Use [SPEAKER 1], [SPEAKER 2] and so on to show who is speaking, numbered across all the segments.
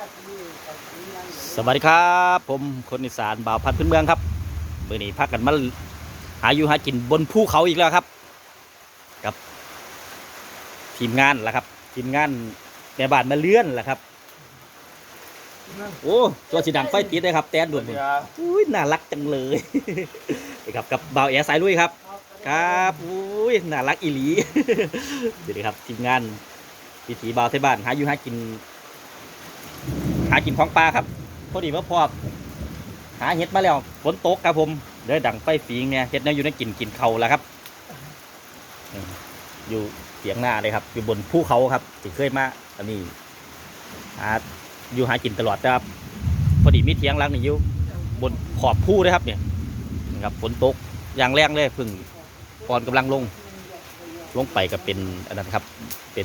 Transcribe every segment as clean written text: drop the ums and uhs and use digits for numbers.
[SPEAKER 1] สวัสดีครับผมคนอีสานบ่าวพันธุ์พื้นเมืองครับเมื่อนี้พักกันมาหาอยู่หากินบนภูเขาอีกแล้วครับกับทีมงานละครับทีมงานแม่บ้านมาเลื่อนละครับโอ้ตัวสีดังไฟติดเลยครับแตนด่วนอุ้ยน่ารักจังเลยนะครับกับบ่าวแอร์สายลุยครับครับอุ้ยน่ารักอีหลีเดี๋ยวครับทีมงานวิถีบ่าวไทยบ้านหาอยู่หากินของปลาครับพอดีว่าพอหาเห็ดมาแล้วฝนตกครับผมเดี๋ยวดังไฟฝีงเนี่ยเห็ดเนี่ยอยู่ในกินเขาแล้วครับอยู่เสียงหน้าเลยครับอยู่บนภูเขาครับที่เคยมาอันนี้อยู่หากินตลอดครับพอดีมีเทียงหลังนี่อยู่บนขอบภูเลยครับเนี่ยนะครับฝนตกอย่างแรงเลยพึ่งก่อนกำลังลงไปก็เป็นอันนั้นครับเป็น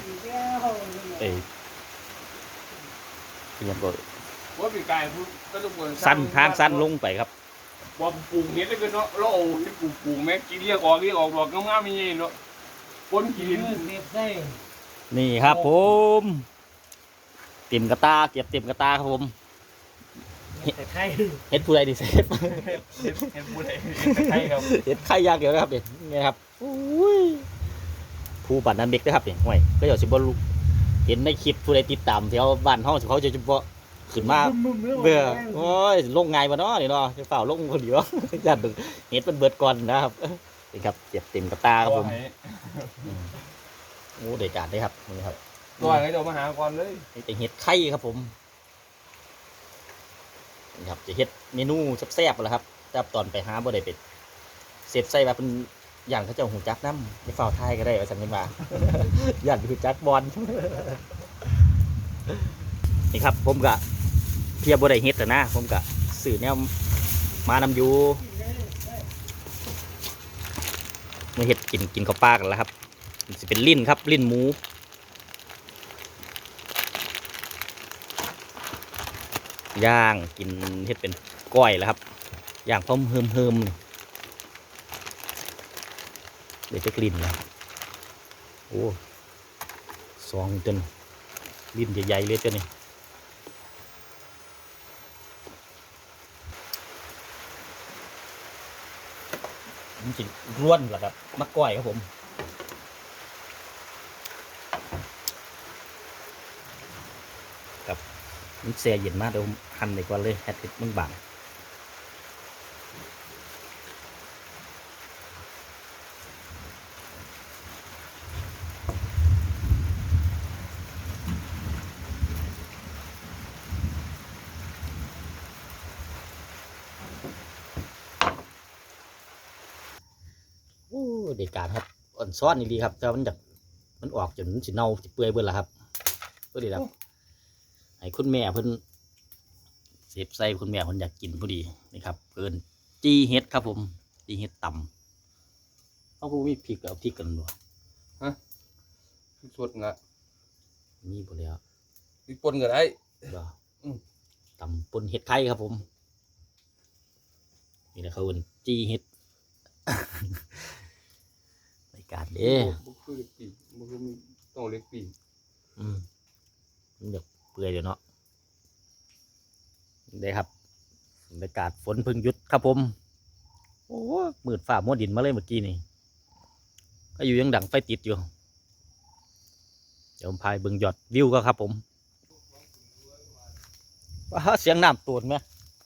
[SPEAKER 1] ยังก็
[SPEAKER 2] ว่าปีกายพูดก็ต้องบน
[SPEAKER 1] สั้นทางสั้นลงไปครับ
[SPEAKER 2] ว่าปลูกเห็ดได้ก็เนาะเราเอาที่ปลูกแม่กินเรียกออกดอกงามๆมีเนาะคนกิน
[SPEAKER 1] นี่ครับผมเต็มกระตาเก็บเต็มกระตาครับผมเห็ดผู้ใดดีเซฟ
[SPEAKER 2] เห็ดผู้ใดใช่ครับ
[SPEAKER 1] เห็ดไข่ยากเดียวนะครับนี่ครับผู้ปั่นนันเบกนะครับนี่ห่วยก็อย่าสิบลูเห็นในคลิปผู้ใดติดตามแถวบ้านห้องเขาจะเฉพาะขึ้นมาเบื่อโอ้ยลงไงมาเนาะนี่เนาะจะเปล่าลงคนเดียวยันเห็ดมันเบิดก่อนนะครับนี่ครับเก็บเต็มกระตาครับผมโอ้เด็ดการได้ครับนี่ครับ
[SPEAKER 2] ตัวไหนเดี๋ยวมาหาก่อนเลย
[SPEAKER 1] นี่แต่เห็ดไข่ครับผมนี่ครับจะเห็ดเมนูแซ่บๆแล้วครับแต่ตอนไปหาบ่ได้เป็ดเสร็จใส่แบบเป็นอย่างเขาจะหูจักน้ำในฝ่าไทยก็ได้ว่าสังเกตมาอย่างหูจักบอลนี่ครับผมกะเพียบ่ได้เห็ดแต่นะผมกะสื่อแนวมานำอยู่มาเห็ดกินข้าวปลากันแล้วครับจะเป็นลิ้นครับลิ้นหมูย่างกินเห็ดเป็นก้อยแล้วครับย่างพร้อมเฮิมเดี๋ยวจะกลิ่นแล้วโอ้ซองจนลิ้นใหญ่ๆเลยเจ้านี่มันจะร่วนเหรอครับมะก้อยครับผมกับมันแช่เย็นมากเดี๋ยวหั่นไปก่อนเลยแฮตติดมันบางโอ้เด็กการครับอ่อนซ้อนดีครับแต่มันออกจนมันสิเน่าสิเปื่อยเบิ่นละครับก็ดีครับให้คุณแม่เพิ่นเสียบใส่คุณแม่เพิ่นอยากกินพอดีนี่ครับเพิ่นจีเฮ็ดครับผมจีเฮ็ดตำเขาพูมีพริกเอาพริกกันบ่
[SPEAKER 2] ฮะสดนะ
[SPEAKER 1] มีบ่แล้ว
[SPEAKER 2] มีปนก็ได้
[SPEAKER 1] บ่ตำปนเห็ดไข่ครับผมนี่แหละเขาเอิ้นจีเฮ็ดรายการเด้
[SPEAKER 2] บุคือเล็กปีบุคือต้องเล็กปี
[SPEAKER 1] มันอยากเปื่อยอยู่เนาะได้ครับบรรยากาศฝนพึ่งหยุดครับผมโอ้มืดฝ่ามัวดินมาเลยเมื่อกี้นี่ก็อยู่ยังดังไฟติดอยู่เดี๋ยวผมพายเบิ่งยอดวิวก็ครับผมว้าเสียงน้ำตูนไหม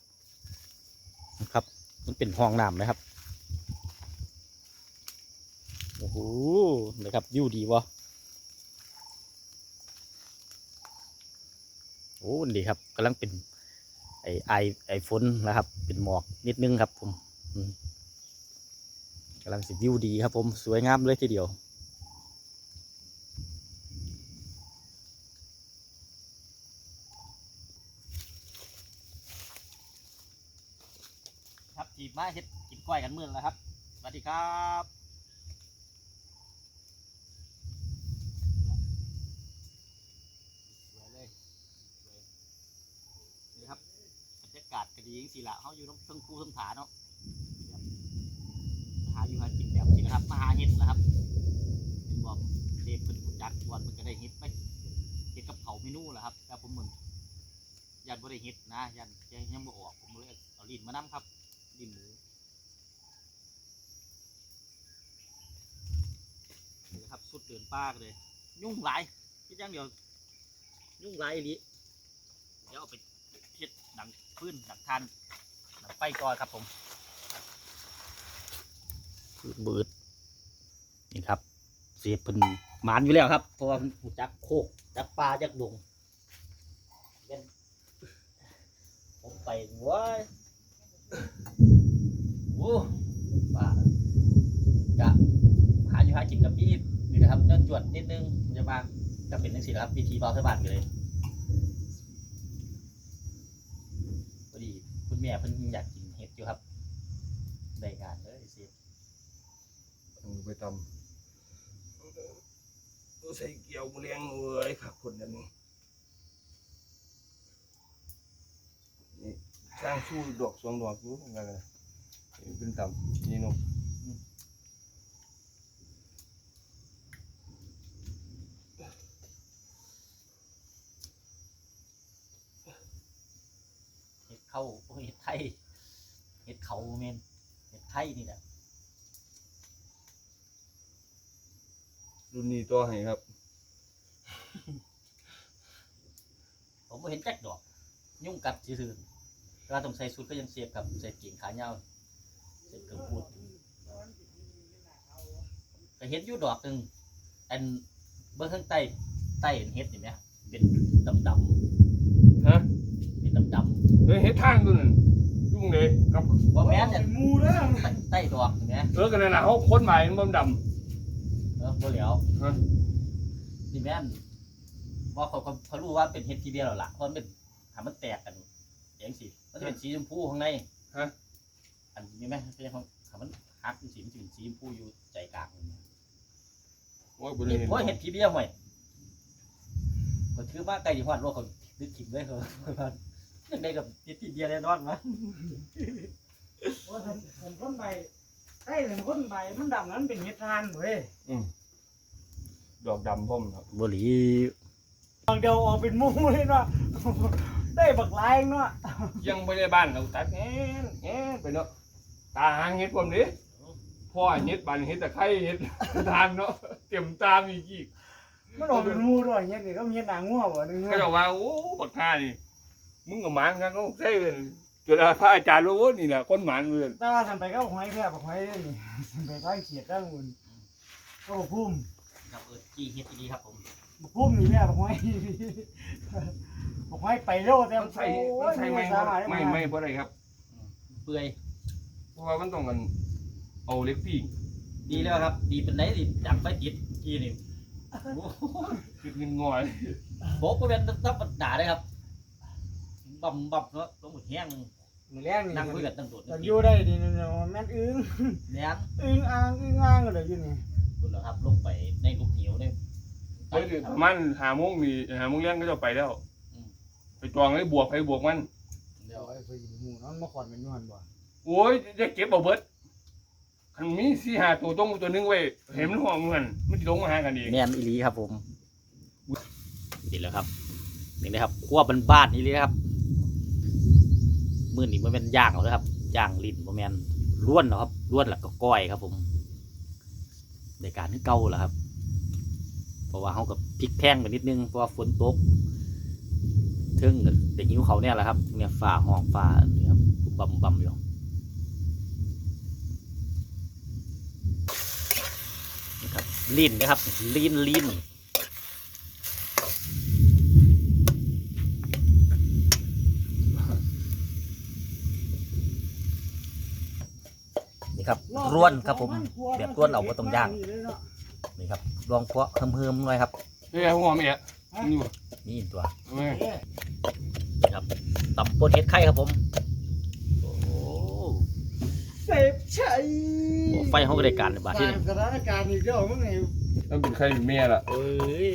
[SPEAKER 1] ครับมันเป็นห้องน้ำไหมครับโอ้โหนะครับวิวดีวะโอ้ดีครับกำลังเป็นไอฝนนะครับเป็นหมอกนิดนึงครับผมกำลังสิวิวดีครับผมสวยงามเลยทีเดียวครับจีบมาเฮ็ดกินกล้วยกันมื้อแล้วครับสวัสดีครับบรรยากาศก็ดีจริงๆละเขาอยู่ตรงเทิงภูเทิงผาเนาะหาอยู่หากินแบบนี้นะครับมาหาเห็ดนะครับเป็นบอมเดฟเป็นหุ่นยักษ์วันมันก็ได้เห็ดไปเห็ดกับเผาเมนูแหละครับแต่ผมเหมือนยันบ่ได้เฮ็ดนะยันยังบ่ออกผมเลยเอาลิ้นมานํครับลิ้นหมูนี่ครับสุดเดินป่ากันเลยยุ่งหลายคิดอย่างเดียวยุ่งหลายอีหลีเดี๋ยวเอาไปเฮ็ดหนังพื้นหนังทานหนังไฟก่อนครับผมบืดนี่ครับเสียบเป็นหมานอยู่แล้วครับเพราะว่ามันจักโคกจักปลาจักดงผมไปเว้ยโอ้ปลาจะหาอยู่หากินกับพี่นี่นะครับเนื้อจวดนิดนึงมันจะมาจะเป็นนังสิครับวิธีเบาสบายเลยพอดีคุณแม่เพิ่นอยากกินเห็ดอยู่ครับได้การเลยสิ
[SPEAKER 2] ไปทำใส่เกี่ยวเลี้ยงเลยครับคนนั้นนี่สร้างชู้ดอก2 ดอกอยู่นั่นแหละเป็นทำนี่นก
[SPEAKER 1] เห็ดเข้าเห็ดไทยเห็ดเขาเมนเห็ดไทยนี่แหละ
[SPEAKER 2] รุ่นนี้ตัวให้ครับ
[SPEAKER 1] ผมไม่เห็นแจ็คดอกยุ่งกัดซื่อๆเวลาต้องใส่สุดก็ยังเสียบกับใส่กิ่งขาเงาใส่เกลือพูดแต่เห็ดอยู่ดอกหนึ่งอันเบื้องข้างใต้เห็นเห็ดเห็นไหมเป็นดำ
[SPEAKER 2] ฮะ
[SPEAKER 1] เป็นดำ
[SPEAKER 2] เฮ็ดทางตัวนั้นยุ่งเลยกับ
[SPEAKER 1] ว่าแม่นเนี่ย
[SPEAKER 3] มูเด้อ
[SPEAKER 1] ใต้ดอกเห็นไหม
[SPEAKER 2] กันนั่นน่ะเขาคนใหม่มันดำ
[SPEAKER 1] บ่เหลียว
[SPEAKER 2] ฮะ
[SPEAKER 1] นี่แม่นว่าเขารู้ว่าเป็นเห็ดทีเดียวหรอล่ะเพราะมันเป็นหามันแตกกันอย่างสิมันจะเป็นสีชมพูข้างใน
[SPEAKER 2] ฮะ
[SPEAKER 1] อันนี้ไหมเป็นของหามันหักสีมันจะเป็นสีชมพูอยู่ใจกลาง
[SPEAKER 2] โอ้ยบ่ได้เห็น
[SPEAKER 1] โอ้ยเห็ดทีเดียวห่วยก็ถือว่าไก่ที่หอดโลกเขาดึกถิ่นเลยเขายังได้กับเห็ดทีเดียวแน่นอนวะ
[SPEAKER 3] ว่าผมคนใบใต้ผมคนใบมันดำนั้นเป็นเห็ดทานเว้ย
[SPEAKER 2] ดอกดำพ่อมครับ
[SPEAKER 1] บุหรี่
[SPEAKER 3] บางเดียวออกเป็นมูเลยเนาะได้บักลายเนาะ
[SPEAKER 2] ยังไม่ได้บ้านเขาตัดแง่ไปเนาะตาหางเฮ็ดผมดิพ่อเฮ็ดบ้านเฮ็ดตะไคร้เฮ็ดทานเนาะเต็มตามอีก
[SPEAKER 3] มันออกเป็นมูด้วยเห็ดนี่ก็มีเห็ดหนางัวบ่นึง
[SPEAKER 2] เขาจะว่าโอ้บักท่านี่มึงกับหมานกันก็ใช่เลยจุดพระอาจารย์รู้ว่านี่แหละคนหมานเลย
[SPEAKER 3] แต่ว่าทำไปก็หอยแค่บักหอยนี่ไปทางเขียดทางอุ่นก็พุ่ม
[SPEAKER 1] ครับจีเห็ดดีครับผม
[SPEAKER 3] พุ่มนี่แม่บักหอยบักหอยไปเร็วแต่
[SPEAKER 2] มันใส่ไม่เพราะอะไรครับ
[SPEAKER 1] เปื่อย
[SPEAKER 2] เพราะว่ามันต้องกันเอาเล็กปิ้ง
[SPEAKER 1] ดีแล้วครับ ดีเป็นไหนดีดังไฟติดทีนี่
[SPEAKER 2] คือเงินงอย
[SPEAKER 1] โบ๊กก็เป็นต้องด่าได้ครับบ่มเนาะต้องหมดแห้ง
[SPEAKER 3] มือแรกนี่
[SPEAKER 1] นั่งคุยกันตั้งโดด
[SPEAKER 3] มันอยู่ได้ดีนี่แม่นอึ้ง
[SPEAKER 1] เนี่ย
[SPEAKER 3] อึ้งอ่างก็เลยอยู่นี่
[SPEAKER 1] คุณเหรอครับลงไปในลูกเหนียวเนี่ย
[SPEAKER 2] เฮ้ยประมาณ5 โมงนี่5 โมงเลี้ยงก็จะไปแล้วไปจองเลยบวกไปบวกมัน
[SPEAKER 1] เดี๋ยว
[SPEAKER 3] ไอ้เพิ่นหมู่นั้นมาขอนเป็นอยู่หั่นบ่
[SPEAKER 2] โอ้ยจะเก็บเอาเบิดคันมี4-5 ตัวต้องตัวนึงไว้เห็นมันห่วงมันมันจะลงมาหากันเอง
[SPEAKER 1] แมนอีลีครับผมนี่แหละครับนี่นะครับขั้วบ้านๆนี่เลยครับมือนี่มันเป็นย่างเอาเลยครับย่างลิ้นมันแมนล้วนเนาะครับล้วนแล้วก็ก้อยครับผมในการที่เก่าแหละครับเพราะว่าเขากับพริกแพงไปนิดนึงเพราะว่าฝนตกเทิงเด็กหิวเขาเนี่ยแหละครับเนี่ยฝ่าห้องฝ่านี่ครับบำอยู่นะครับลิ้นนะครับลิ้นนี่ครับร่วนครับผมแบบร่วนเอาไว้ตรงย่างนี่ครับลองเพาะเพิ่มหน่อยครับ
[SPEAKER 2] เฮ้ยหัวเมียนี่บ่
[SPEAKER 1] นี่ตัว
[SPEAKER 2] แม่
[SPEAKER 1] นี่ครับตับปนเห็ดไข่ครับผมโอ้โห
[SPEAKER 3] เสพชัย
[SPEAKER 1] ไฟห้องบริการในบ้านที่นี่
[SPEAKER 3] สถานการณ์อีกแล้วมึงไง
[SPEAKER 2] ต้องเป็นใครเมียล่ะ
[SPEAKER 1] เอ้ย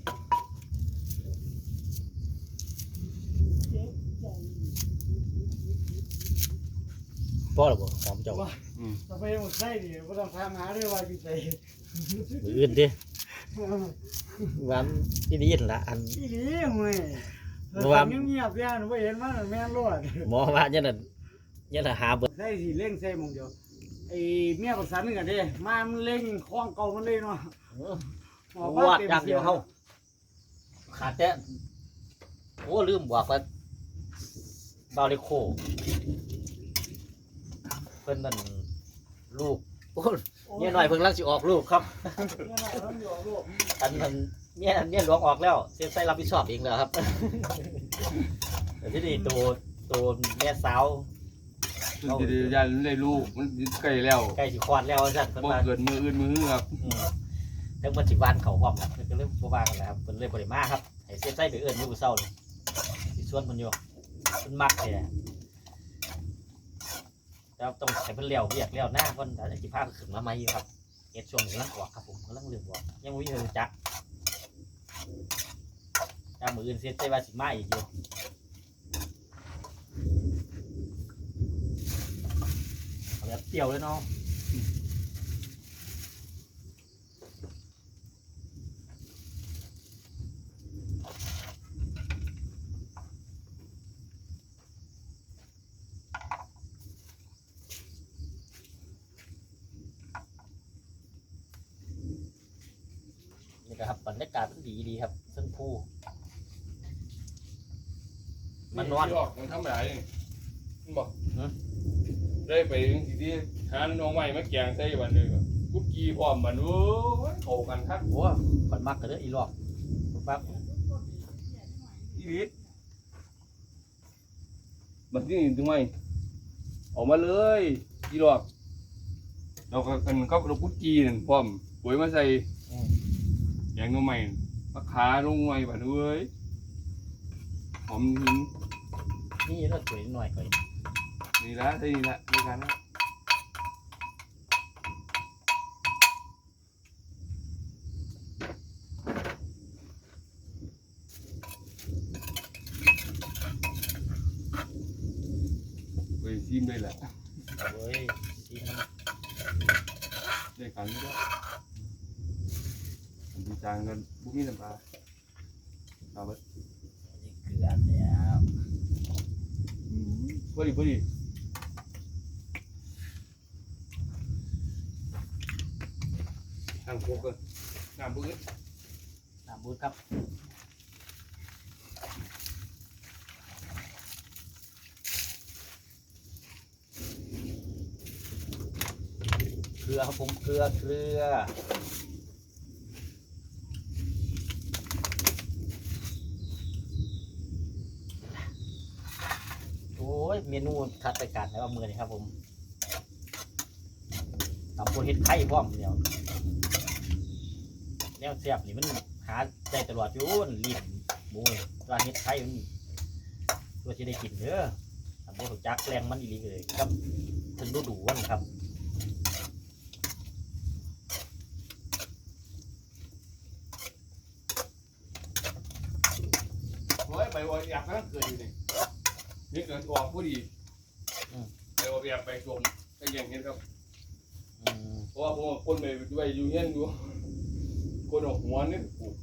[SPEAKER 1] พ่อหรอบ่หอมเจ้า
[SPEAKER 3] ต่อไปหมดไส้ดิบ่ต้องถามหาด้วยว่าอยู่ไส
[SPEAKER 1] มืออื่นดิวันที่นี่ละอัน
[SPEAKER 3] อีหลีเว้ย
[SPEAKER 1] เพราะว่า
[SPEAKER 3] เงียบๆเนี่ยหนูไม่เห็นมันแม่นรอด
[SPEAKER 1] หมอว่าเนี่ยน่ะหาเบิด
[SPEAKER 3] ใส่สิเล่งใส่หมองเดียวไอ้เมียประสานนึงกันเด้มามันเล่งคล้องเก่ามันเลยเนาะ
[SPEAKER 1] วาดอย่างเดียวเฮาขาดแต่โอ้ลืมบอกว่าบาวเลโคเพิ่นนั่นลูกโอ้เนี่ยหน่อยเพิ่งลังสิออกลูกครับ
[SPEAKER 3] เนี่ยน่ะต้องอยู่ลูก
[SPEAKER 1] อันนั้นเนี่ยหลวงออกแล้วเสียใส่รับผิดชอบเองแล้วครับ แต่ที่นี่ตัวแม่สาว
[SPEAKER 2] มันจะได้ยันได้ลูกมันใกล้แล้ว
[SPEAKER 1] ใกล้สิคลอดแล้วสั่นเพิ่น
[SPEAKER 2] บ่
[SPEAKER 1] มา
[SPEAKER 2] เกิดมืออื่นมือครับ
[SPEAKER 1] ทั้งมันสิวานเขาพร้อมนะเพิ่นก็เลยบ่ว่ากันแล้วครับเพิ่นเลยบ่ได้มาครับให้เสียใส่ไปเอิ้นอยู่มื้อเช้านี่สิชวนเพิ่นอยู่เพิ่นมักแท้แล้วต้องให้เพิ่นเลี้ยวเรียกเลี้ยวหน้าเพิ่นอาจจะสิพาขึ้นมาใหม่อยู่ครับเฮ็ดช่วงนี้กำลังออกครับผมกำลังเรื่องออกยังบ่มีใครรู้จักถ้ามื้ออื่นเสียใจว่าสิมาอีกอยู่เอาแบบเปรี้ยวเลยเนาะ นี่นะครับบรรยากาศมันดีครับเส้นผู้มันนอน
[SPEAKER 2] ออกมันทำอะไรนี่มันบอก
[SPEAKER 1] ฮะ
[SPEAKER 2] ได้ไปถึงที่หาน้องใหม่มาแกงใส่วันหนึงอะกุ๊กกี้พร้อมมันโอ้ยเข้ากันทัก
[SPEAKER 1] โอ้ขอนมักกันเด้ออีหลอกปั๊บ
[SPEAKER 2] อีหลีบัดนี้ถึงไหมออกมาเลยอีหลอกเราก็กันก็เรากุ๊กกี้นั่นพร้อมปุ๋ยมาใส่แกงน้องใหม่มาขาลงไว้บัดเอ้ยหอมหิน
[SPEAKER 1] นี่เราสวยหน่อยก่อน
[SPEAKER 2] นี่ละใช่นี่ละด้วยกันนะไปซิมได้แหละ
[SPEAKER 1] เว้ยซีมัน
[SPEAKER 2] ได้กันไม่ได้ผมดีจางกันบุกนี่น้ำปลาเอาไป
[SPEAKER 1] นี่เกลือแล้ว
[SPEAKER 2] พอดีพอดีทางโคกกันน้ำบึ้ง
[SPEAKER 1] น้ำบูดครับเกลือครับผมเกลือโอ้ยเมนูทัดไปกันแล้วมือนี่ครับผมทำโพดเห็ดไข่พร้อมเดียวแนวเสียบนี่มันหาใจตลอดอยู่ลิ้นหมูนี่ตัวเห็ดไข่มันตัวที่ได้กินเด้อทำโพดจักแรงมันอีหลีเลยครับถึงดูวันครับ
[SPEAKER 2] เฮ้ยไปว่าอยากนั่งเกิดอยู่นี่นี่เกิดออกพอดีไปว่าอยากไปชมไปแย่งเห็นครับ
[SPEAKER 1] อืม
[SPEAKER 2] เพราะว่าผมคนไปด้วยอยู่เฮียนอยู่คนออกหัวนี่ปลูก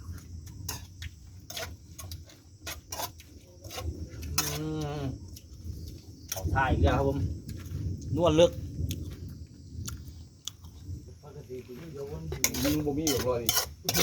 [SPEAKER 1] เขาท่ายอีกแล้วครับผมนวดลึก
[SPEAKER 3] ปกติกูเดี๋ยววัน
[SPEAKER 2] ยิงบ่มีแบบว่านี่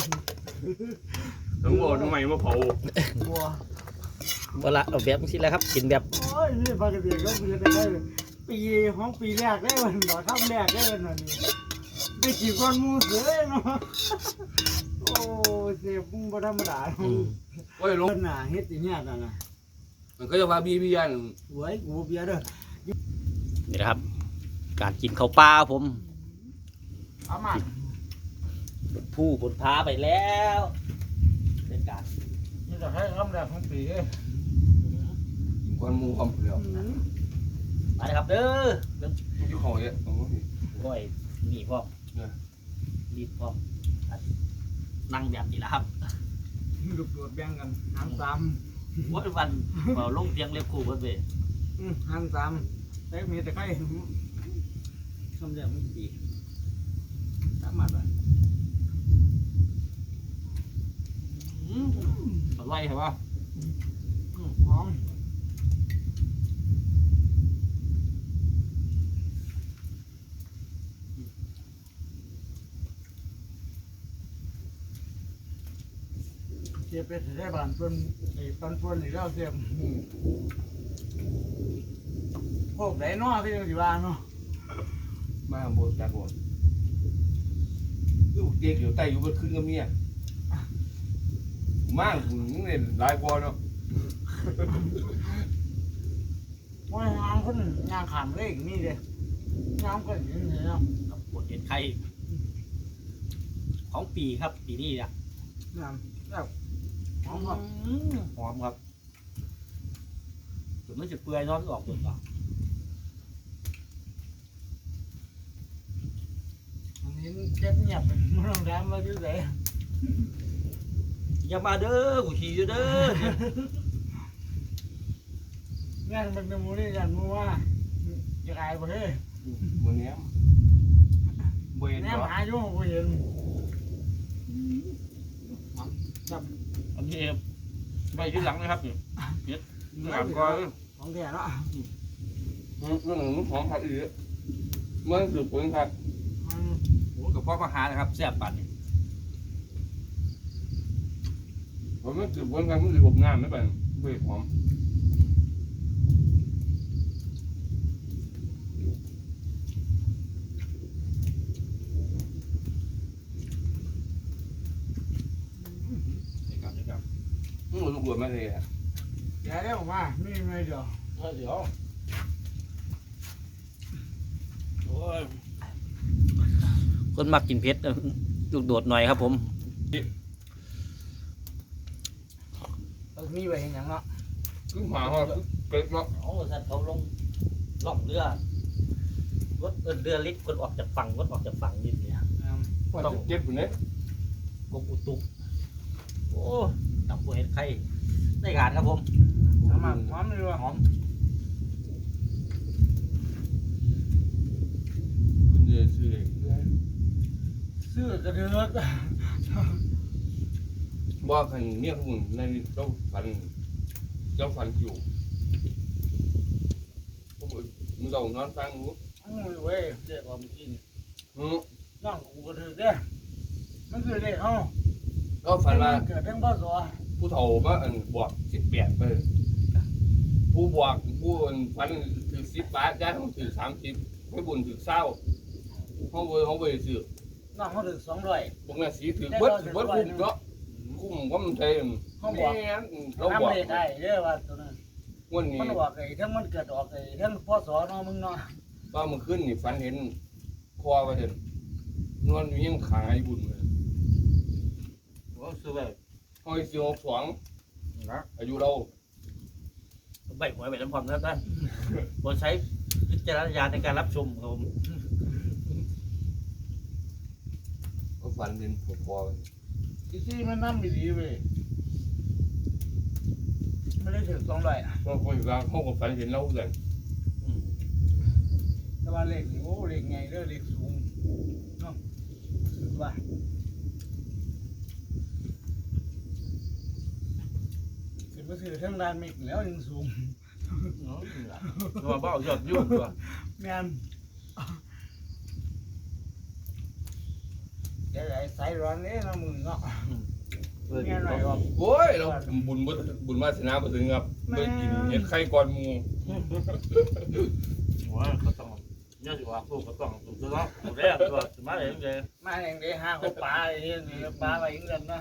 [SPEAKER 2] ทั้งหมดทำไมมาเผา
[SPEAKER 3] บัว
[SPEAKER 1] เวลาเอาแบบนี้แหละครับกินแบบ
[SPEAKER 3] โอ้ยนี่ปกติก็คือได้ปีของปีแรกได้วันหมอทำแรกได้วันนี้ได้กี่ก้อนมูเสือเนาะโอ้เสียบุ้งบ่ธรรมดา
[SPEAKER 2] โอ้ยล
[SPEAKER 3] ต้
[SPEAKER 2] ง
[SPEAKER 3] นหนาเฮ็ดอย่างเงี้ยน่ะนะ
[SPEAKER 2] มันก็จะพาบียัน
[SPEAKER 3] หวยกูเบียร์เด้อ
[SPEAKER 1] นี่นะครับ การกินข้าวปลาผม
[SPEAKER 3] เอามา
[SPEAKER 1] ผู้บนพาไปแล้วเป็นการ
[SPEAKER 3] นี่จะให้คำแรกของปี
[SPEAKER 2] ควันมูความเปลี่ยว
[SPEAKER 1] มาเลยครับเด้อเรื่อง
[SPEAKER 2] อยู่เขาเนี่ยตรงนี้
[SPEAKER 1] ก้อยหนีพร้อมรีบพร้อมนั่งแบบนี้แหละครับ
[SPEAKER 3] ลูกโดดแบ่งกันหันสาม
[SPEAKER 1] วันเราลงเตียงเล็บคู่เพิ่นเว้ย
[SPEAKER 3] หันสามแต่มีแต่ใครคำแรกของปีสามารถ
[SPEAKER 1] อร่อยใช่ปะ
[SPEAKER 3] สียไปได้บ้านเพิ่นไอ้ปันเพิ่นนี่เราเสียพวกไหนเนาะที่สิว่าเนาะ
[SPEAKER 2] มาโบกจากโบกคือเด็กอยู่ใต้อยู่บนขึ้นกับเมียมากมึงเนี่ยหลายกว่าเนาะ
[SPEAKER 3] ว่าหางคนย่างขามเลขนี่เด้ย่างก็เห็นเนาะ
[SPEAKER 1] ครับบดเห็ดไข่ของปีครับปีนี้เนี่ย
[SPEAKER 3] น้ำแล้วหอมครับ
[SPEAKER 1] หอมครับถึงมันจะเปื่อยเนอนออกตัวต่อ
[SPEAKER 3] อันนี้เจ็บเงียบมันต้องแรมมาอยู่ไหน
[SPEAKER 1] อย่ามาเด้อกูขี่อยู่เด้อ
[SPEAKER 3] งานมันเป็นมูนี่ยันมูว่าจะอายบ่เฮ้ย
[SPEAKER 2] วันนี้บ่เห็น
[SPEAKER 3] แนม
[SPEAKER 2] เหรอ
[SPEAKER 3] หาอยู่บ่เห็น
[SPEAKER 1] อันนี้ไปที่หลังนะครับนี่เห็ดหลังก็
[SPEAKER 3] ของแท้เนาะ
[SPEAKER 2] เรื่องหนึ่งของผัดอีกเมื่อสืบผลครับ
[SPEAKER 1] โอ้กับพ่อมาหานะครับแซ่บปันนี่
[SPEAKER 2] ผมไม่สืบผลครับมันสืบผมงามไม่เป็นเบื่อหอม
[SPEAKER 1] นี่ครับนี่ครับ
[SPEAKER 2] ลูกบวชมาเลยอ่ะ
[SPEAKER 3] เดี๋ยวได้ออกมาไม่มีเดียว
[SPEAKER 1] เดี๋ยวโอ้ยคนมักกินเผ็ดลูกโดดหน่อยครับผม
[SPEAKER 3] มีไว้เห็นหยังเนาะ
[SPEAKER 2] คือหมาเขาเกิดเนาะ
[SPEAKER 1] โอ้สัตว์เขาลงล่องเรือรถเรือลิฟต์คนออกจากฝั่งรถออกจากฝั่งนิดเนี่ย
[SPEAKER 2] ต้องเจ็บอยู่เนี่ย
[SPEAKER 1] กบอุตุกโอ้ตับบัวเห็ดไข่ได้การครับผม
[SPEAKER 3] น้ำมันหอมเลยว่ะ
[SPEAKER 1] หอม
[SPEAKER 2] คุณจะซื้อเลย
[SPEAKER 3] ซื้อกระเดือก
[SPEAKER 2] ว่าคันเนี่ยคุณในเจ้าฟันอยู่มึงเรานอนฟังมึง
[SPEAKER 3] เว้ยเด็กว่าเมื่อกี้นี่
[SPEAKER 2] อืม
[SPEAKER 3] น้องกูกระเดือกเด้มันคือเลขเฮา
[SPEAKER 2] ก็ฝันว่า
[SPEAKER 3] เกิดทั้งพ่อสอ
[SPEAKER 2] ผู้เฒ่ามาบวก18ไปผู้บวกผู้ฝันถือ10 บาทย้ายเขาถือ30ให้บุญถือ20เขาไปซื้อ
[SPEAKER 3] น้องเขาถึง200
[SPEAKER 2] พวกนั้นสีถือเบิดคุ้มเนาะคุ้มก็มันใช่
[SPEAKER 3] เขาบอก
[SPEAKER 2] เราบ
[SPEAKER 3] น้ำ
[SPEAKER 2] อก
[SPEAKER 3] เลขได้เด้อว่าตัวนั้น
[SPEAKER 2] วันนี้
[SPEAKER 3] มันบอกไอ้ทั้งมันเกิดออกไอ้ทั้งพ่อสอเนาะมึงเนาะ
[SPEAKER 2] ว่ามันขึ้นนี่ฝันเห็นคอว่าเห็นนอนอยู่ยังขายบุญเลย
[SPEAKER 1] โอ้ซื้อไป
[SPEAKER 2] ห้อยสิ62
[SPEAKER 1] นะ
[SPEAKER 2] อายุเรา
[SPEAKER 1] ใบหวยใบน้ำพร้อมนะครับท่านโปรดใช้วิจารณญาณในการรับชมครับผม
[SPEAKER 2] ก็ฝันเห็นผมคอ
[SPEAKER 3] อีซี่มันน้ำดีเว้ยไม่ได้ถึง200อ่ะ
[SPEAKER 2] ก็คนอยู่กลางห้องก็ฝันเห็นเราเลย
[SPEAKER 3] แต่ว่าเลขนี่โอ้เลขไงเด้อเลขสูงเนาะว่าสิบ่ซื้อทั้งด้านเมฆแล้วยังสูง
[SPEAKER 1] ตัวเบ้ายอดยุ่งตัว
[SPEAKER 3] แม่นเดี๋ยวไอ้สายร้อนนี่เนาะมึงเนาะแม่นหน่อยว่า
[SPEAKER 2] โอ้ยเราบุญวาสนาบ่ถึงครับไปกินเห็ดไข่ก่อนหมู
[SPEAKER 1] ว่าเขาต้องเนี่ยสิว่าลูกก็ต้องถูกต้องถูกแล้วตัวสมัยเองเลย
[SPEAKER 3] มาอย่างเดียวหาเขาปลาไอ้นี่ปลาไปอีกแล้วนะ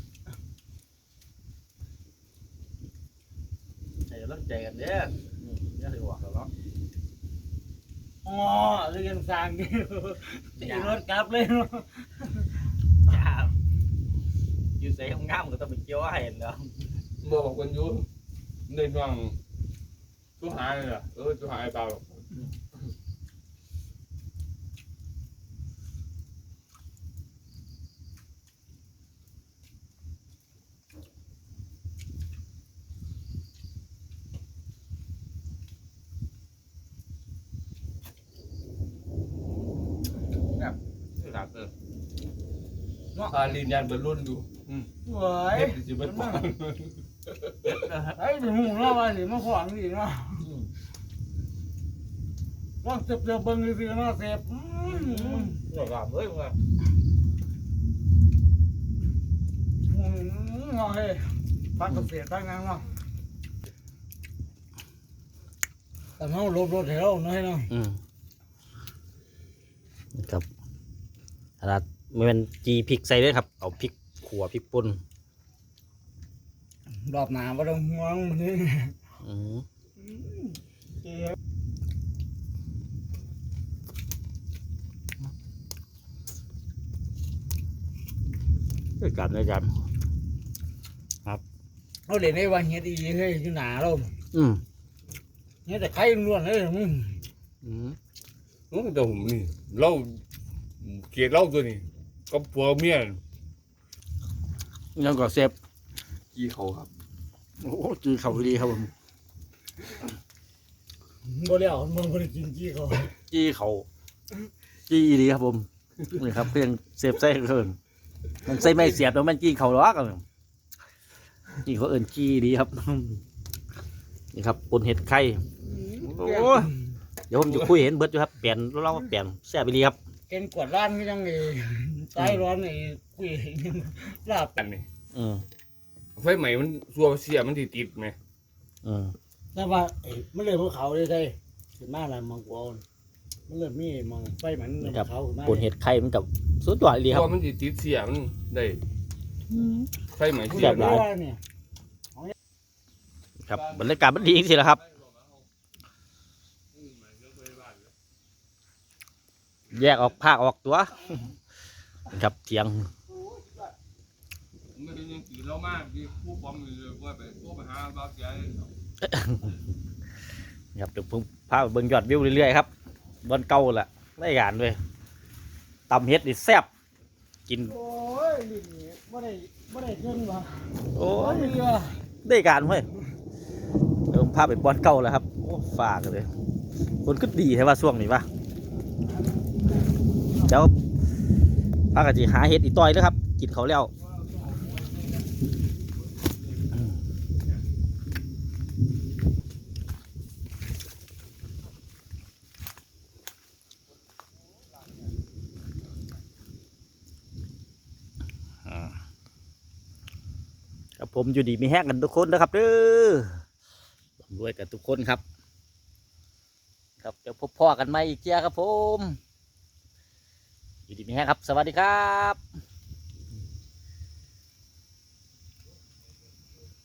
[SPEAKER 1] ใจเริ่มใจกันเด้อเนี่ยสิว่าแล้ว
[SPEAKER 3] อ๋อเรื่องสร้างนี่ตีรถกลับเลยเนาะ
[SPEAKER 1] จ้าอยู่ใส่ห้องน้ำก็ต้องไปเกี่ยวให้เนาะ
[SPEAKER 2] บอกคนอยู่ในฟังตู้หายเลยอ่ะตู้หายเปล่า
[SPEAKER 1] นี่ครับ
[SPEAKER 2] ตาลีนยันเป็นรุ่นอยู่
[SPEAKER 3] เว้ย
[SPEAKER 2] เฮ็ดสิเบิดปาน
[SPEAKER 3] ไอ้ถึงหูเนาะว่าสิมาขวางดีเนาะว่าเจ็บเบิ่งซื่อๆเนาะเสพ
[SPEAKER 1] นี่ครับเฮ้ยมึง
[SPEAKER 3] หูงอเฮ้ยพักเกษตรตั้งงานเนาะแต่เขาลบรถให้เราหน่อยเนาะ
[SPEAKER 1] ครับขนาดมันเป็นจีพริกใส่ด้วยครับเอาพริกขั่วพริกป่น
[SPEAKER 3] รอบหน้าบ่ต้องห่วงมันนี่
[SPEAKER 1] อืมด้วยกันด้วยกัน
[SPEAKER 3] เราเล่นได้ว่าเฮ็ดอีเฮ้ยอยู่หนาเรา
[SPEAKER 1] อืม
[SPEAKER 3] เฮ็ดแต่ไข่ล้วนเลยมึง
[SPEAKER 1] อืม
[SPEAKER 2] โอ้แต่ผมนี่เราเกลียดเราตัวนี้ก็ผัวเมีย
[SPEAKER 1] ยังก็เซฟ
[SPEAKER 2] กี้เขาครับ
[SPEAKER 1] โอ้จีเขาดีครับผม
[SPEAKER 3] บ่แล้วมึงบ่ได้กินกี้เขา
[SPEAKER 1] จีเขาจีดีครับผมนี่ครับเพียงเซฟใส่เกินมันใส่ไม่เสียบแล้วมันจีเขาหรอกจีเขาเอินจีดีครับนี่ครับปนเห็ดไข่โอ้เดี๋ยวผมจะคุยเห็นเบิร์ดอยู่ครับเปลี่ยนเราเปลี่ยนแซ่บไปดีครับ
[SPEAKER 3] เกินกวดร้านก็ยังไงตายร้อนไอ้คุยลาบ
[SPEAKER 2] กันนี่
[SPEAKER 1] อืม
[SPEAKER 2] ไฟใหม่มันซัวเสียมันติดไหม
[SPEAKER 1] อืม
[SPEAKER 3] แต่ว่ามันเลยภูเขาเลยได้ขึ้นมาแล้วมังกรมันเริ่มมีมังไฟเหมือนภูเขาขึ้นมา
[SPEAKER 1] ปนเห็ดไข่มันกับสุดยอดเลยครับ
[SPEAKER 2] ซัวมันติดเสียมันได้ไฟใหม่
[SPEAKER 3] ผู้
[SPEAKER 2] เสี
[SPEAKER 3] ให
[SPEAKER 2] ย
[SPEAKER 3] ญ่
[SPEAKER 2] ได้
[SPEAKER 3] ว่าเนี่ย
[SPEAKER 1] ครับบรรยากาศมันดีจริงๆแล้วครับ แยกออกภาคออกตัวครับเทียง
[SPEAKER 2] ไม่ได้ยังกินเรามากที่ผู้ปอมเลยว่าไปผู้ไปหาบ้าเสีย
[SPEAKER 1] ครับเดี๋ยวผมพาไปเบิ่งยอดวิวเรื่อยๆครับบนเก่าแหละได้การด้วยตำเฮ็ดนี่แซ่บกิน
[SPEAKER 3] โอ้ยลิ้นนี่บ่ได้เงินว่ะ
[SPEAKER 1] โอ้
[SPEAKER 3] โอ้
[SPEAKER 1] ย
[SPEAKER 3] ยว่ะ
[SPEAKER 1] ได้การเว้ยเดี๋ยวผมพาไปบอนเก่าแล้วครับโอ้ฝากเลยคนก็ดีใช่ว่าช่วงนี้ปะเดี๋ยวพากันจีหาเฮ็ดอีต้อยแล้วครับ กินเขาวแล้วครับผมอยู่ดีมีแห้งกันทุกคนนะครับเด้อรวยกันทุกคนครับ ครับเดี๋ยวพบพ่อกันใหม่อีกเจ้าครับผมอยู่ดีมีแห้งครับ สวัสดีครับ